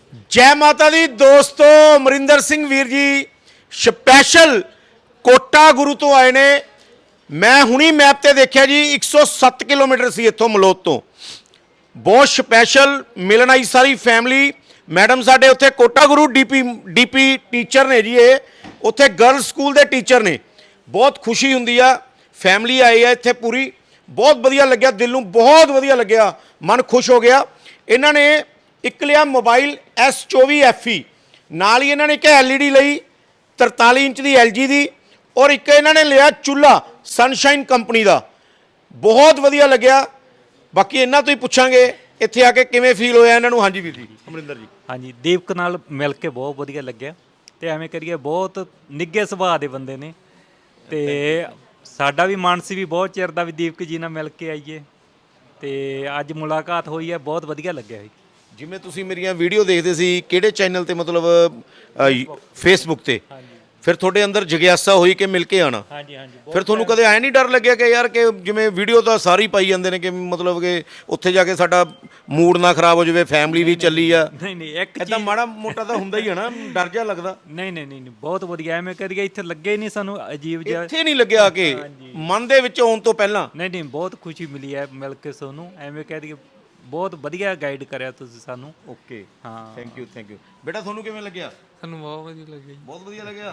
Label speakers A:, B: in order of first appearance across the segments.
A: जय माता दी दोस्तों, अमरिंदर सिंह वीर जी स्पैशल कोटा गुरु तो आए ने। मैं हुणी मैप ते देखिया जी 107 किलोमीटर सी इत्थों मलोत तो। बहुत स्पैशल मिलन आई सारी फैमिली। मैडम साडे उत्थे कोटा गुरु डीपी टीचर ने जी, ये उत्थे गर्ल्स स्कूल के टीचर ने। बहुत खुशी हुंदी आ, फैमिली आई है इत्थे पूरी। बहुत वधिया लग्या, दिल नूं बहुत वधिया लग्या, मन खुश हो गया। इन्हां ने एक लिया मोबाइल S24 FE, नाल ही इन्हां ने एक LED लई 43 इंच की LG दी, और एक इन्हां ने लिया चूल्हा सनशाइन कंपनी का। बहुत वधिया लग्या। बाकी इन्हां तो ही पुछांगे इत्थे आके किवें फील होया इन्हां नूं। हाँ जी वीर जी, अमरिंदर जी।
B: हाँ जी, दीपक नाल मिल के बहुत वधिया लग्या ते एवें करिए बहुत निੱਘੇ ਸੁਭਾਅ ਦੇ ਬੰਦੇ ਨੇ ਤੇ ਸਾਡਾ ਵੀ ਮਨ ਸੀ ਵੀ ਬਹੁਤ ਚਿਰ ਦਾ ਵੀ ਦੀਪਕ ਜੀ ਨਾਲ ਮਿਲ ਕੇ ਆਈਏ ਤੇ ਅੱਜ ਮੁਲਾਕਾਤ ਹੋਈ ਹੈ, ਬਹੁਤ ਵਧੀਆ ਲੱਗਿਆ ਜੀ।
A: ਜਿਵੇਂ ਤੁਸੀਂ ਮੇਰੀਆਂ ਵੀਡੀਓ ਦੇਖਦੇ ਸੀ ਕਿਹੜੇ ਚੈਨਲ ਤੇ, ਮਤਲਬ ਫੇਸਬੁੱਕ ਤੇ, ਫਿਰ ਤੁਹਾਡੇ ਅੰਦਰ ਜਿਗਿਆਸਾ ਹੋਈ ਕਿ ਮਿਲ ਕੇ ਆਣਾ।
B: ਹਾਂਜੀ ਹਾਂਜੀ,
A: ਫਿਰ ਤੁਹਾਨੂੰ ਕਦੇ ਐ ਨਹੀਂ ਡਰ ਲੱਗਿਆ ਕਿ ਯਾਰ ਕਿ ਜਿਵੇਂ ਵੀਡੀਓ ਤਾਂ ਸਾਰੇ ਹੀ ਪਾਈ ਜਾਂਦੇ ਨੇ ਕਿ ਮਤਲਬ ਕਿ ਉੱਥੇ ਜਾ ਕੇ ਸਾਡਾ ਮੂਡ ਨਾ ਖਰਾਬ ਹੋ ਜਾਵੇ, ਫੈਮਿਲੀ ਵੀ ਚੱਲੀ ਆ।
B: ਨਹੀਂ ਨਹੀਂ, ਇੱਕ
A: ਇਦਾਂ ਮਾੜਾ ਮੋਟਾ ਤਾਂ ਹੁੰਦਾ ਹੀ ਹੈ ਨਾ, ਡਰ ਜਿਹਾ ਲੱਗਦਾ।
B: ਨਹੀਂ ਨਹੀਂ ਨਹੀਂ, ਬਹੁਤ ਵਧੀਆ। ਐਵੇਂ ਕਰੀਏ ਇੱਥੇ ਲੱਗੇ ਨਹੀਂ ਸਾਨੂੰ ਅਜੀਬ ਜਿਹਾ।
A: ਇੱਥੇ ਨਹੀਂ ਲੱਗਿਆ ਕਿ ਮਨ ਦੇ ਵਿੱਚ ਆਉਣ ਤੋਂ ਪਹਿਲਾਂ।
B: ਨਹੀਂ ਨਹੀਂ, ਬਹੁਤ ਖੁਸ਼ੀ ਮਿਲੀ ਹੈ ਮਿਲ ਕੇ ਸਾਨੂੰ। ਐਵੇਂ ਕਹਿ ਦਈਏ ਬਹੁਤ ਵਧੀਆ ਗਾਈਡ ਕਰਿਆ ਤੁਸੀਂ ਸਾਨੂੰ।
A: ਓਕੇ,
B: ਹਾਂ,
A: ਥੈਂਕ ਯੂ। ਬੇਟਾ ਤੁਹਾਨੂੰ ਕਿਵੇਂ ਲੱਗਿਆ?
C: ਸਾਨੂੰ ਬਹੁਤ ਵਧੀਆ ਲੱਗਿਆ ਜੀ।
A: ਬਹੁਤ ਵਧੀਆ ਲੱਗਿਆ।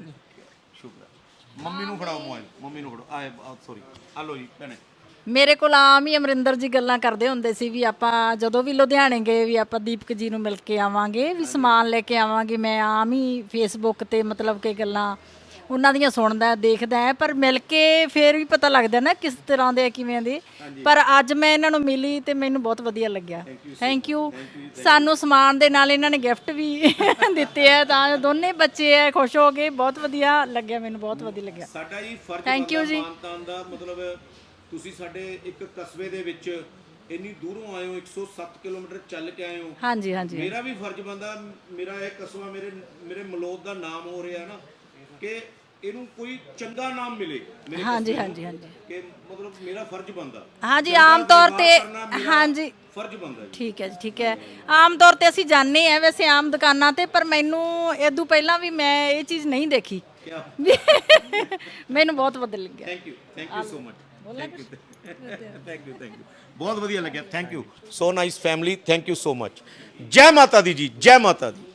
A: ਸ਼ੁਕਰ। ਮੰਮੀ ਨੂੰ ਫੜਾਓ ਮੋਬਾਈਲ, ਮੰਮੀ ਨੂੰ ਫੜੋ। ਆਏ ਸੌਰੀ, ਆ ਲਓ ਜੀ ਭੈਣੇ।
D: ਮੇਰੇ ਕੋਲ ਆਮ ਹੀ ਅਮਰਿੰਦਰ ਜੀ ਗੱਲਾਂ ਕਰਦੇ ਹੁੰਦੇ ਸੀ ਵੀ ਆਪਾਂ ਜਦੋਂ ਵੀ ਲੁਧਿਆਣੇ ਗਏ ਵੀ ਆਪਾਂ ਦੀਪਕ ਜੀ ਨੂੰ ਮਿਲ ਕੇ ਆਵਾਂਗੇ, ਵੀ ਸਮਾਨ ਲੈ ਕੇ ਆਵਾਂਗੇ। ਮੈਂ ਆਮ ਹੀ ਫੇਸਬੁੱਕ ਤੇ ਮਤਲਬ ਕਿ ਗੱਲਾਂ ਉਹਨਾਂ ਦੀਆਂ ਸੁਣਦਾ ਦੇਖਦਾ ਹੈ, ਪਰ ਮਿਲ ਕੇ ਫਿਰ ਵੀ ਪਤਾ ਲੱਗਦਾ ਨਾ ਕਿਸ ਤਰ੍ਹਾਂ ਦੇ ਕਿਵੇਂ ਦੇ। ਪਰ ਅੱਜ ਮੈਂ ਇਹਨਾਂ ਨੂੰ ਮਿਲੀ ਤੇ ਮੈਨੂੰ ਬਹੁਤ ਵਧੀਆ ਲੱਗਿਆ। Thank you. ਸਾਨੂੰ ਸਮਾਨ ਦੇ ਨਾਲ ਇਹਨਾਂ ਨੇ ਗਿਫਟ ਵੀ ਦਿੱਤੇ ਆ, ਤਾਂ ਦੋਨੇ ਬੱਚੇ ਆ ਖੁਸ਼ ਹੋ ਗਏ। ਬਹੁਤ ਵਧੀਆ ਲੱਗਿਆ ਮੈਨੂੰ, ਬਹੁਤ ਵਧੀਆ ਲੱਗਿਆ।
A: ਸਾਡਾ ਜੀ ਫਰਜ਼
D: ਥੈਂਕ ਯੂ ਜੀ।
A: ਮਾਨਤਾਨ ਦਾ ਮਤਲਬ ਤੁਸੀਂ ਸਾਡੇ ਇੱਕ ਕਸਬੇ ਦੇ ਵਿੱਚ ਇੰਨੀ ਦੂਰੋਂ ਆਏ ਹੋ, 107 ਕਿਲੋਮੀਟਰ ਚੱਲ ਕੇ ਆਏ ਹੋ।
D: ਹਾਂਜੀ ਹਾਂਜੀ,
A: ਮੇਰਾ ਵੀ ਫਰਜ਼ ਬਣਦਾ, ਮੇਰਾ ਇਹ ਕਸਬਾ ਮੇਰੇ ਮਲੋਦ ਦਾ ਨਾਮ ਹੋ ਰਿਹਾ ਨਾ, ਕਿ ਇਹਨੂੰ ਕੋਈ ਚੰਗਾ ਨਾਮ ਮਿਲੇ ਮੇਰੇ
D: ਹਾਂਜੀ ਹਾਂਜੀ ਹਾਂਜੀ,
A: ਕਿ ਮਤਲਬ ਮੇਰਾ ਫਰਜ਼ ਬਣਦਾ।
D: ਹਾਂਜੀ ਆਮ ਤੌਰ ਤੇ ਹਾਂਜੀ
A: ਫਰਜ਼ ਬਣਦਾ ਜੀ।
D: ਠੀਕ ਹੈ ਜੀ, ਠੀਕ ਹੈ। ਆਮ ਤੌਰ ਤੇ ਅਸੀਂ ਜਾਂਦੇ ਆ ਵੈਸੇ ਆਮ ਦੁਕਾਨਾਂ ਤੇ, ਪਰ ਮੈਨੂੰ ਇਦੋਂ ਪਹਿਲਾਂ ਵੀ ਮੈਂ ਇਹ ਚੀਜ਼ ਨਹੀਂ ਦੇਖੀ। ਮੈਨੂੰ ਬਹੁਤ ਵਧੀਆ ਲੱਗਿਆ।
A: Thank you so much. Thank you ਬਹੁਤ ਵਧੀਆ ਲੱਗਿਆ। Thank you so nice family. Thank you so much. ਜੈ ਮਾਤਾ ਦੀ ਜੀ, ਜੈ ਮਾਤਾ ਦੀ।